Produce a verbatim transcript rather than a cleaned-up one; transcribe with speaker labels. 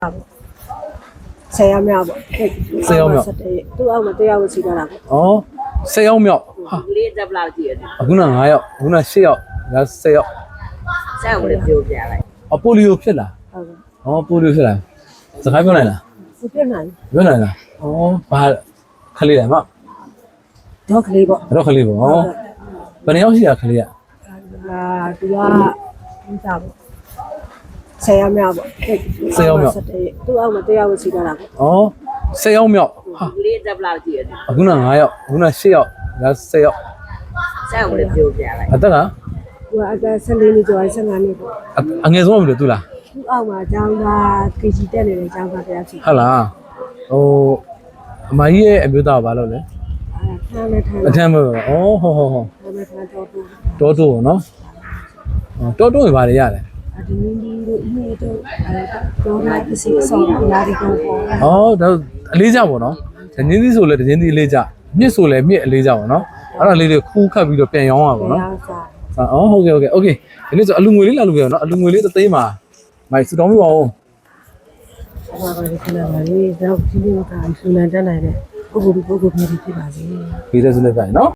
Speaker 1: ဆယ်ယောက်မြောက်ပေါ့ဆယ်ယောက်မြောက်သူ့အောက်မှာတရားဝစီတာပေါ့
Speaker 2: ဩဆယ်ယောက်မြောက်ဟာ
Speaker 3: ကလေးတက်လာကြည့်ရတယ်
Speaker 2: အခုန၅ယောက်အခုန၈ယောက်ဒါဆယ်ယောက်
Speaker 3: ဆက်ဝင်ပြောပြလိုက်
Speaker 2: အပိုလီယိုဖြစ်လာ
Speaker 1: ဟုတ်ကဲ့
Speaker 2: ဩပိုလီယိုဖြစ်လာစကားပြောနိုင်လား
Speaker 1: သူပြနိုင်
Speaker 2: ပြောနိုင်လားဩဘာခလေးတယ်မ
Speaker 1: တော့ကလေးပေါ့
Speaker 2: တော့ခလေးပေါ့ဩဘယ်နှစ်ယောက်ရှိတာခလေးက
Speaker 1: အာသူကဒီစားပေါ့ဆယ်ယောက်မြောက်ပေါ့သူ့အောက်မှာတရားဝစီတာပေါ့
Speaker 2: ဩဆယ်ယောက်မြောက်ဟာ
Speaker 3: ကလေးတက်လာကြည့်ရတယ်
Speaker 2: အခုန၅ယောက်အခုန၈ယောက်ဒါဆယ်ယောက်
Speaker 3: ဆက်ဝင်ပြောပြလိုက်
Speaker 2: အသက်က
Speaker 1: သူကအသက်ဆယ်လေးနှစ်ကျော်ဆယ်ငါးနှစ်ပေါ့
Speaker 2: အငယ်ဆုံးမလို့သူလား
Speaker 1: သူ့အောက်မှာအကြောင်းသား ကေ ဂျီ တက်နေတဲ့အကြောင်းသားတရားစီ
Speaker 2: ဟုတ်လားဟိုအမကြီးရဲ့အမျိုးသားကဘာလုပ်လဲ
Speaker 1: အာခန်းနဲ့ထိုင်
Speaker 2: အထမ်းပဲဩဟောဟောဟော
Speaker 1: ခန်းနဲ့ထိုင်တော့တူ
Speaker 2: တောတိုးပေါ့နော်တောတိုးတွေဘာတွေရလဲ
Speaker 1: အဒီနင်းဒီတို့အင်းရဲ့တို့အဲတော့လာပစ္စည်းဆောင်ရာဒီကောပေါ့
Speaker 2: ဩဒါအလေးကြပေါ့နော်ဒင်းသီးဆိုလဲဒင်းသီးအလေးကြမြစ်ဆိုလဲမြစ်အလေးကြပေါ့နော်အဲ့ဒါလေးတွေခူးခတ်ပြီးတော့ပြန်ရောင်းရပါပေါ့နော်
Speaker 1: စား
Speaker 2: အော်ဟုတ်ကဲ့ဟုတ်ကဲ့โอเคဒီနေ့ဆိုအလူငွေလေးလာလို့ပြောနော်အလူငွေလေးတစ်သိန်းမှာမိုက်စူတောင်းပြပါဦး
Speaker 1: ဘာပါလဲခဏလေးတော့ဒီလိုကဆူလန်တက်နိုင်တဲ့ပုဂ္ဂိုလ်ပုဂ္ဂိုလ်မျိုးဖြစ်ပါစေ
Speaker 2: ပြီးတဲ့ဆိုလည်းပြရင်နော်